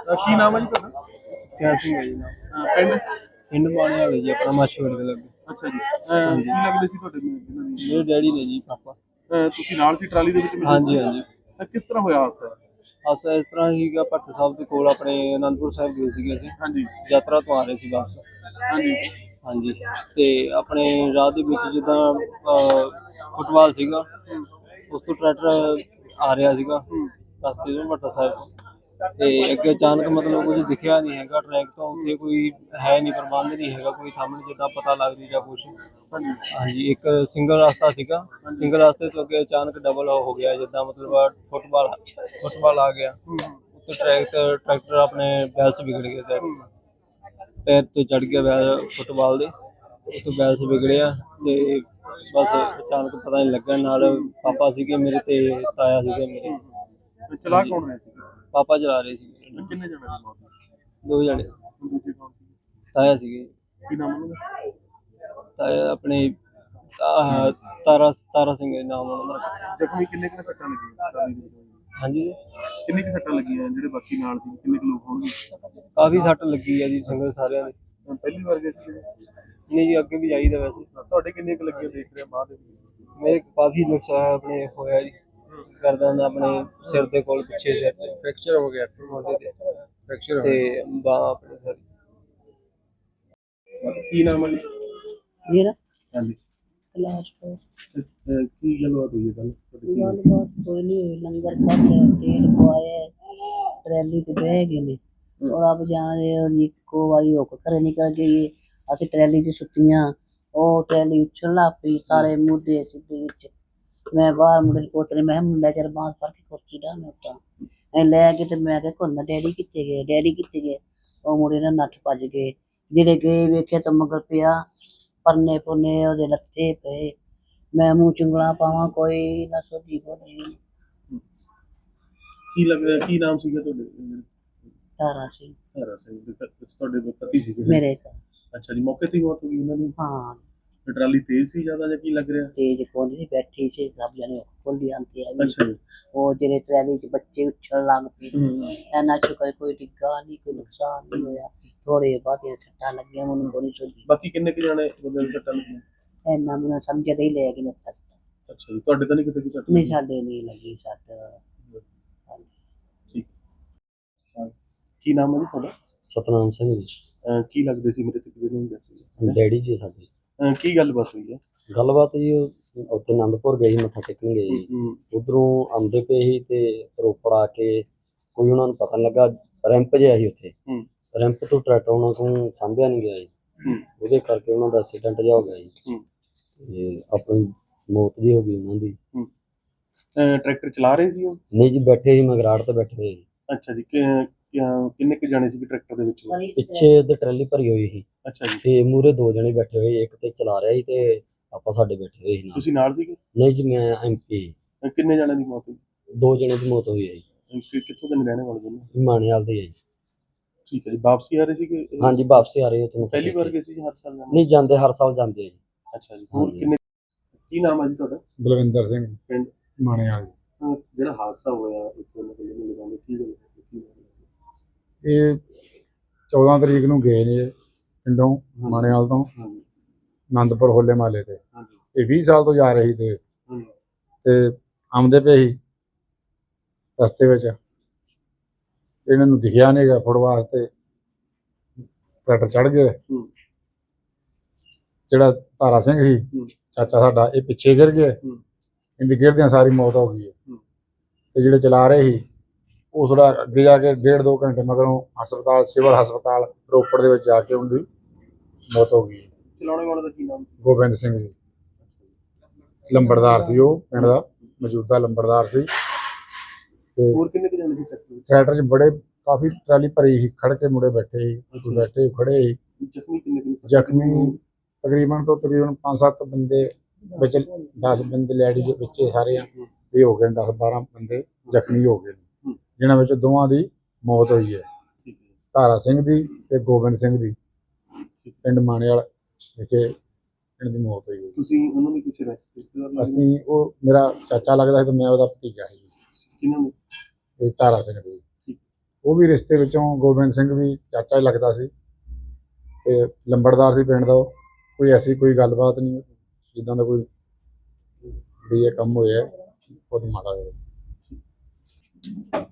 ਕੀ ਨਾਮ ਹੈ ਜੀ ਤੁਹਾਡਾ? ਕਿਆ ਸਿੰਘ ਹੈ ਜੀ ਨਾਮ। ਪਿੰਡ? ਪਿੰਡ ਬਾਣੇ ਵਾਲੇ ਜੀ, ਆਪਣਾ ਮਾਛੀਵਾੜੇ ਦੇ ਲੱਗੇ। ਅੱਛਾ ਜੀ। ਕੀ ਲੱਗਦੇ ਸੀ ਤੁਹਾਡੇ ਇਹਨਾਂ ਦੀ? ਮੇਰੇ ਡੈਡੀ ਨੇ ਜੀ, ਪਾਪਾ। ਤੁਸੀਂ ਨਾਲ ਸੀ ਟਰਾਲੀ ਦੇ ਵਿੱਚ? ਹਾਂਜੀ ਹਾਂਜੀ। ਕਿਸ ਤਰ੍ਹਾਂ ਹੋਇਆ ਹਾਦਸਾ? ਹਾਦਸਾ ਇਸ ਤਰ੍ਹਾਂ ਸੀਗਾ, ਭੱਟ ਸਾਹਿਬ ਦੇ ਕੋਲ ਆਪਣੇ ਅਨੰਦਪੁਰ ਸਾਹਿਬ ਗਏ ਸੀਗੇ ਅਸੀਂ। ਹਾਂਜੀ ਯਾਤਰਾ ਤੋਂ ਆ ਰਹੇ ਸੀ ਵਾਪਸ। ਹਾਂਜੀ ਹਾਂਜੀ। ਤੇ ਆਪਣੇ ਰਾਹ ਦੇ ਵਿੱਚ ਜਿੱਦਾਂ ਫੁੱਟਬਾਲ ਸੀਗਾ, ਉਸ ਤੋਂ ਟਰੈਕਟਰ ਆ ਰਿਹਾ ਸੀਗਾ ਰਸਤੇ ਤੋਂ ਭੱਟਾ ਸਾਹਿਬ ਤੋਂ। ਤੇ ਅੱਗੇ ਅਚਾਨਕ ਮਤਲਬ ਕੁਝ ਦਿਖਿਆ ਨਹੀਂ ਹੈਗਾ ਟਰੈਕ ਤੋਂ, ਉੱਥੇ ਕੋਈ ਹੈ ਨਹੀਂ, ਪ੍ਰਬੰਧ ਨਹੀਂ ਹੈਗਾ ਕੋਈ ਸਾਹਮਣੇ ਜਿੱਦਾਂ ਪਤਾ ਲੱਗ ਰਹੀ ਜਾਂ ਕੁਛ। ਹਾਂਜੀ। ਇੱਕ ਸਿੰਗਲ ਰਸਤਾ ਸੀਗਾ, ਸਿੰਗਲ ਰਸਤੇ ਤੋਂ ਅੱਗੇ ਅਚਾਨਕ ਡਬਲ ਹੋ ਗਿਆ, ਜਿੱਦਾਂ ਮਤਲਬ ਫੁੱਟਬਾਲ ਆ ਗਿਆ। ਉੱਤੇ ਟਰੈਕਟਰ ਆਪਣੇ ਬੈਲਸ ਵਿਗੜ ਗਏ, ਪੈਰ ਤੋਂ ਚੜ ਗਿਆ ਬੈਲ ਫੁੱਟਬਾਲ ਦੇ, ਉੱਤੋਂ ਬੈਲਸ ਵਿਗੜਿਆ। ਤੇ ਬਸ ਅਚਾਨਕ ਪਤਾ ਨਹੀਂ ਲੱਗਾ। ਨਾਲ ਪਾਪਾ ਸੀਗੇ ਮੇਰੇ ਤੇ ਤਾਇਆ ਸੀਗੇ ਮੇਰੇ। ਚਲਾ ਕੌਣ ਰਿਹਾ ਸੀ? ਪਾਪਾ ਚਲਾ ਰਹੇ ਸੀ। ਕਿੰਨੇ ਜਣੇ ਦੀ ਮੌਤ ਹੋਈ? 2 ਜਣੇ। ਦੂਜੇ ਕੌਣ ਸੀ? ਤਾਇਆ ਸੀਗੇ। ਕੀ ਨਾਮ ਉਹਨਾਂ ਦਾ? ਤਾਇਆ ਆਪਣੇ ਤਾਰਾ ਸਿੰਘ ਨਾਮ ਉਹਨਾਂ ਦਾ। ਜ਼ਖਮੀ ਕਿੰਨੇ ਕੁ ਸੱਟਾਂ ਲੱਗੀਆਂ ਟਰਾਲੀ ਦੇ ਵਿੱਚ? ਹਾਂਜੀ। ਕਿੰਨੇ ਕੁ ਸੱਟਾਂ ਲੱਗੀਆਂ? ਜਿਹੜੇ ਬਾਕੀ ਨਾਲ ਸੀ ਕਿੰਨੇ ਕੁ ਲੋਕ ਹੋਣਗੇ? ਕਾਫੀ ਸੱਟ ਲੱਗੀ ਆ ਜੀ ਸੰਗਤ ਸਾਰਿਆਂ ਦੇ। ਪਹਿਲੀ ਵਾਰ ਗਏ ਸੀ? ਨਹੀਂ ਜੀ, ਅੱਗੇ ਵੀ ਜਾਈਦਾ ਵੈਸੇ। ਤੁਹਾਡੇ ਕਿੰਨੇ ਕੁ ਲੱਗੀਆਂ ਦੇਖ ਰਿਹਾ ਬਾਅਦ ਦੇ ਵਿੱਚ? ਮੇਰੇ ਕਾਫੀ ਨੁਕਸਾਨ ਆਪਣੇ ਹੋਇਆ ਜੀ, ਗਰਦਨ ਆਪਣੇ ਸਿਰ ਦੇ ਕੋਲ ਪਿੱਛੇ ਸਿਰ ਤੇ ਫ੍ਰੈਕਚਰ ਹੋ ਗਿਆ ਮੋਢੇ ਤੇ ਫ੍ਰੈਕਚਰ ਤੇ ਬਾਂਹ ਆਪਣੇ ਸਾਰੀ। ਕੀ ਨਾਮ ਹੈ ਜੀ? ਮੇਰਾ ਹਾਂਜੀ। ਕਲਾਸਪੁਰ। ਕੀ ਗੱਲਬਾਤ ਹੋਈ ਹੈ ਕੱਲ? ਗੱਲਬਾਤ ਕੋਈ ਨਹੀਂ ਹੋਈ। ਲੰਗਰ ਖਾਧਾ, ਤੇਲ ਪਵਾਇਆ, ਟਰੈਲੀ ਤੇ ਬਹਿ ਗਏ ਨੇ। ਔਰ ਆਪ ਜਾਣਦੇ ਹੋ ਜੀ, ਇੱਕੋ ਵਾਰੀ ਹੋ ਕੇ ਘਰੇ ਨਿਕਲ ਗਏ। ਅਸੀਂ ਟਰੈਲੀ 'ਚ ਸੁੱਤੀਆਂ, ਉਹ ਟਰੈਲੀ ਉੱਛਣ ਲੱਗ ਪਈ, ਸਾਰੇ ਮੁੱਦੇ ਸਿੱਧੇ ਵਿੱਚ। ਮੈਂ ਬਾਹਰ ਮੁੰਡੇ ਕੋਤਰੇ, ਮੈਂ ਕਿਹਾ ਮੁੰਡਾ ਚੱਲ ਬਾਂਹ ਫੜ ਕੇ ਕੁਰਸੀ ਡਾ, ਮੈਂ ਉੱਤਾਂ ਐ ਲੈ ਕੇ। ਤੇ ਮੈਂ ਕਿਹਾ ਕੋਨਾ ਡੈਡੀ ਕਿੱਥੇ ਗਏ, ਡੈਡੀ ਕਿੱਥੇ ਗਏ? ਉਹ ਮੁੰਡੇ ਨਾਲ ਨੱਠ ਭੱਜ ਗਏ। ਜਿਹੜੇ ਗਏ ਵੇਖਿਆ ਤਾਂ ਮਗਰ ਪਿਆ, ਪਰਨੇ ਪੁਰਨੇ ਉਹਦੇ ਲੱਥੇ ਪਏ। ਮੈਂ ਮੂੰਹ ਚੁੰਗਲਾਂ ਪਾਵਾਂ, ਕੋਈ ਨਾ ਸੋਝੀ ਬੋਲੀ। ਕੀ ਲੱਗਦਾ ਕੀ ਨਾਮ ਸੀਗਾ ਤੁਹਾਡੇ? ਤਾਰਾ ਸੀ ਤਾਰਾ ਸਿੰਘ ਦੇ ਤੁਹਾਡੇ ਪਤੀ ਸੀਗੇ? ਮੇਰੇ ਘਰ। ਅੱਛਾ ਜੀ। ਮੌਕੇ ਤੇ ਹੀ ਮੌਤ ਹੋ ਗਈ ਉਹਨਾਂ ਦੀ? ਹਾਂ। ਟਰਾਲੀ ਤੇਜ਼ ਸੀ ਜ਼ਿਆਦਾ ਜਾਂ ਕੀ ਲੱਗ ਰਿਹਾ? ਤੇਜ ਕੋਲ ਨਹੀਂ ਬੈਠੀ ਸੀ, ਸਭ ਜਣੇ ਖੋਲੀ ਆਂਦੀ ਆ। ਅੱਛਾ ਜੀ। ਉਹ ਜਿਹੜੇ ਟਰੈਲੀ 'ਚ ਬੱਚੇ ਉੱਛਣ ਲੱਗ ਪਏ। ਇਹਨਾਂ 'ਚ ਕੋਈ ਡਿੱਗਾ ਨਹੀਂ, ਕੋਈ ਨੁਕਸਾਨ ਨਹੀਂ ਹੋਇਆ। ਥੋੜੇ ਬਹੁਤੀਆਂ ਸੱਟਾਂ ਲੱਗੀਆਂ, ਮੈਨੂੰ ਕੋਈ ਸੋਝੀ। ਬਾਕੀ ਕਿੰਨੇ ਕੁ ਜਾਣੇ ਬੰਦੇ ਨੂੰ ਸੱਟਾਂ ਲੱਗੀਆਂ? ਇੰਨਾ ਮੈਨੂੰ ਸਮਝਦੇ ਹੀ ਲੈ ਗਏ ਨੇ। ਅੱਛਾ ਜੀ। ਤੁਹਾਡੇ ਤਾਂ ਨਹੀਂ ਕਿਤੇ ਕੋਈ ਸੱਟ? ਨਹੀਂ, ਸਾਡੇ ਨਹੀਂ ਲੱਗੀ ਸੱਟ। ਠੀਕ। ਕੀ ਨਾਮ ਹੈ ਜੀ ਤੁਹਾਡਾ? ਸਤਨਾਮ ਸਿੰਘ ਜੀ। ਕੀ ਲੱਗਦੇ ਸੀ ਮੇਰੇ ਤੇ ਕਿਹਦੇ? ਡੈਡੀ ਜੀ ਸਾਡੇ। ਕੀ ਗੱਲ ਬਸ ਹੋਈ ਹੈ? ਗੱਲਬਾਤ ਜੀ, ਉੱਥੇ ਆਨੰਦਪੁਰ ਗਏ ਸੀ, ਮੱਥਾ ਟੇਕਣ ਗਏ ਜੀ। ਉਧਰੋਂ ਆਉਂਦੇ ਪਏ ਸੀ ਤੇ ਰੋਪੜ ਆ ਕੇ ਕੋਈ ਉਹਨਾਂ ਨੂੰ ਪਤਾ ਨਹੀਂ ਲੱਗਾ, ਰੈਂਪ ਜਿਹਾ ਸੀ ਉੱਥੇ। ਰੈਂਪ ਤੋਂ ਟਰੈਕਟਰ ਉਹਨਾਂ ਤੋਂ ਸਾਂਭਿਆ ਨਹੀਂ ਗਿਆ ਜੀ, ਉਹਦੇ ਕਰਕੇ ਉਹਨਾਂ ਦਾ ਐਕਸੀਡੈਂਟ ਜਿਹਾ ਹੋ ਗਿਆ ਜੀ। ਤੇ ਆਪਣੀ ਮੌਤ ਜੀ ਹੋ ਗਈ ਉਹਨਾਂ ਦੀ। ਟਰੈਕਟਰ ਚਲਾ ਰਹੇ ਸੀ ਉਹ? ਨਹੀਂ ਜੀ, ਬੈਠੇ ਸੀ ਮਗਰਾੜ ਤੇ ਬੈਠੇ ਹੋਏ ਜੀ। ਅੱਛਾ ਜੀ। ਕਿੰਨੇ ਕੁ ਜਾਣੇ ਸੀ ਟਰੈਕਟਰ ਦੇ ਵਿੱਚ? ਪਿੱਛੇ ਤੇ ਟਰਾਲੀ ਭਰੀ ਹੋਈ ਸੀ। ਅੱਛਾ ਜੀ। ਤੇ ਮੂਹਰੇ 2 ਜਣੇ ਬੈਠੇ ਹੋਏ, ਇੱਕ ਤੇ ਚਲਾ ਰਿਹਾ ਸੀ ਤੇ ਆਪਾਂ ਸਾਡੇ ਬੈਠੇ ਹੋਏ ਸੀ ਨਾਲ। ਤੁਸੀਂ ਨਾਲ ਸੀਗੇ? ਨਹੀਂ ਜੀ, ਮੈਂ MP। ਕਿੰਨੇ ਜਾਣਿਆਂ ਦੀ ਮੌਤ ਹੋਈ? 2 ਜਣੇ ਦੀ ਮੌਤ ਹੋਈ ਹੈ ਜੀ। ਕਿੱਥੋਂ ਦੇ ਰਹਿਣੇ ਵਾਲੇ ਨੇ? ਮਾਣੇਵਾਲ ਦੇ ਹੈ ਜੀ। ਠੀਕ ਹੈ ਜੀ। ਵਾਪਸੀ ਆ ਰਹੇ ਸੀ? ਹਾਂਜੀ, ਵਾਪਸ ਆ ਰਹੇ ਹੋ ਤੁਹਾਨੂੰ? ਪਹਿਲੀ ਵਾਰ ਗਏ ਸੀ ਹਰ ਸਾਲ? ਨਹੀਂ, ਜਾਂਦੇ ਹਰ ਸਾਲ ਜਾਂਦੇ ਆ ਜੀ। ਅੱਛਾ ਜੀ। ਹੋਰ ਕਿੰਨੇ? ਕੀ ਨਾਮ ਹੈ ਜੀ ਤੁਹਾਡਾ? ਬਲਵਿੰਦਰ ਸਿੰਘ, ਪਿੰਡ ਮਾਣੇਵਾਲ। ਜਿਹੜਾ ਹਾਦਸਾ ਹੋਇਆ ਇੱਕ ਲਗਾਉਂਦੇ ਕੀ ਗੱਲ? ਇਹ 14 ਤਰੀਕ ਨੂੰ ਗਏ ਨੇ ਪਿੰਡੋਂ ਮਾਣੇਵਾਲ ਤੋਂ ਆਨੰਦਪੁਰ ਹੋਲੇ ਮਹੱਲੇ ਤੇ। ਇਹ 20 ਸਾਲ ਤੋਂ ਜਾ ਰਹੀ ਤੇ ਆਉਂਦੇ ਪਏ ਸੀ ਰਸਤੇ ਵਿੱਚ, ਇਹਨਾਂ ਨੂੰ ਦਿਖਿਆ ਨਹੀਂ ਗਾ ਫੁੱਟ ਵਾਸਤੇ, ਟਰੈਕਟਰ ਚੜ ਗਏ। ਜਿਹੜਾ ਤਾਰਾ ਸਿੰਘ ਸੀ ਚਾਚਾ ਸਾਡਾ, ਇਹ ਪਿੱਛੇ ਗਿਰ ਗਏ। ਇਹਦੀ ਗਿਰਦਿਆਂ ਸਾਰੀ ਮੌਤ ਹੋ ਗਈ ਹੈ। ਤੇ ਜਿਹੜੇ ਚਲਾ ਰਹੇ ਸੀ ਉਹ ਥੋੜਾ ਅੱਗੇ ਜਾ ਕੇ 1.5-2 ਘੰਟੇ ਮਗਰੋਂ ਹਸਪਤਾਲ, ਸਿਵਲ ਹਸਪਤਾਲ ਰੋਪੜ ਦੇ ਵਿੱਚ ਜਾ ਕੇ ਉਹਦੀ ਮੌਤ ਹੋ ਗਈ। ਚਲਾਉਣੇ ਵਾਲੇ ਦਾ ਕੀ ਨਾਮ? ਗੋਬਿੰਦ ਸਿੰਘ ਜੀ, ਲੰਬੜਦਾਰ ਸੀ ਉਹ ਪਿੰਡ ਦਾ, ਮੌਜੂਦਾ ਲੰਬੜਦਾਰ ਸੀ। ਤੇ ਹੋਰ ਕਿੰਨੇ ਕੁ ਜਾਣੇ ਸੀ ਟਰੈਕਟਰ 'ਚ ਬੜੇ ਕਾਫੀ ਟਰਾਲੀ ਭਰੀ ਸੀ, ਖੜ ਕੇ ਮੁੰਡੇ ਬੈਠੇ ਸੀ, ਬੈਠੇ ਖੜੇ ਸੀ। ਜ਼ਖਮੀ ਕਿੰਨੇ ਕੁ? ਜ਼ਖਮੀ ਤਕਰੀਬਨ 5-7 ਬੰਦੇ ਵਿੱਚ, 10 ਬੰਦੇ ਲੈਡੀ ਦੇ ਵਿੱਚ ਸਾਰੇ ਇਹ ਹੋ ਗਏ, 10-12 ਬੰਦੇ ਜ਼ਖਮੀ ਹੋ ਗਏ, ਜਿਨ੍ਹਾਂ ਵਿੱਚ ਦੋਵਾਂ ਦੀ ਮੌਤ ਹੋਈ ਹੈ, ਤਾਰਾ ਸਿੰਘ ਦੀ ਤੇ ਗੋਬਿੰਦ ਸਿੰਘ ਦੀ। ਪਿੰਡ ਮਾਣੇਵਾਲ ਵਿਖੇ ਇਹਨਾਂ ਦੀ ਮੌਤ ਹੋਈ ਹੈ। ਤੁਸੀਂ ਉਹਨਾਂ ਦੀ ਕੁਝ ਰਿਸ਼ਤੇਦਾਰ? ਅਸੀਂ, ਉਹ ਮੇਰਾ ਚਾਚਾ ਲੱਗਦਾ ਸੀ ਤੇ ਮੈਂ ਉਹਦਾ ਭਤੀਜਾ ਸੀ। ਕਿਹਨਾਂ ਨੇ? ਇਹ ਤਾਰਾ ਸਿੰਘ ਦੀ। ਉਹ ਵੀ ਰਿਸ਼ਤੇ ਵਿੱਚੋਂ ਗੋਬਿੰਦ ਸਿੰਘ ਵੀ ਚਾਚਾ ਹੀ ਲੱਗਦਾ ਸੀ ਤੇ ਲੰਬੜਦਾਰ ਸੀ ਪਿੰਡ ਦਾ ਉਹ। ਕੋਈ ਐਸੀ ਕੋਈ ਗੱਲਬਾਤ ਨਹੀਂ ਜਿੱਦਾਂ ਦਾ ਕੋਈ ਵੀ ਇਹ ਕੰਮ ਹੋਇਆ ਬਹੁਤ ਮਾੜਾ ਹੋਇਆ।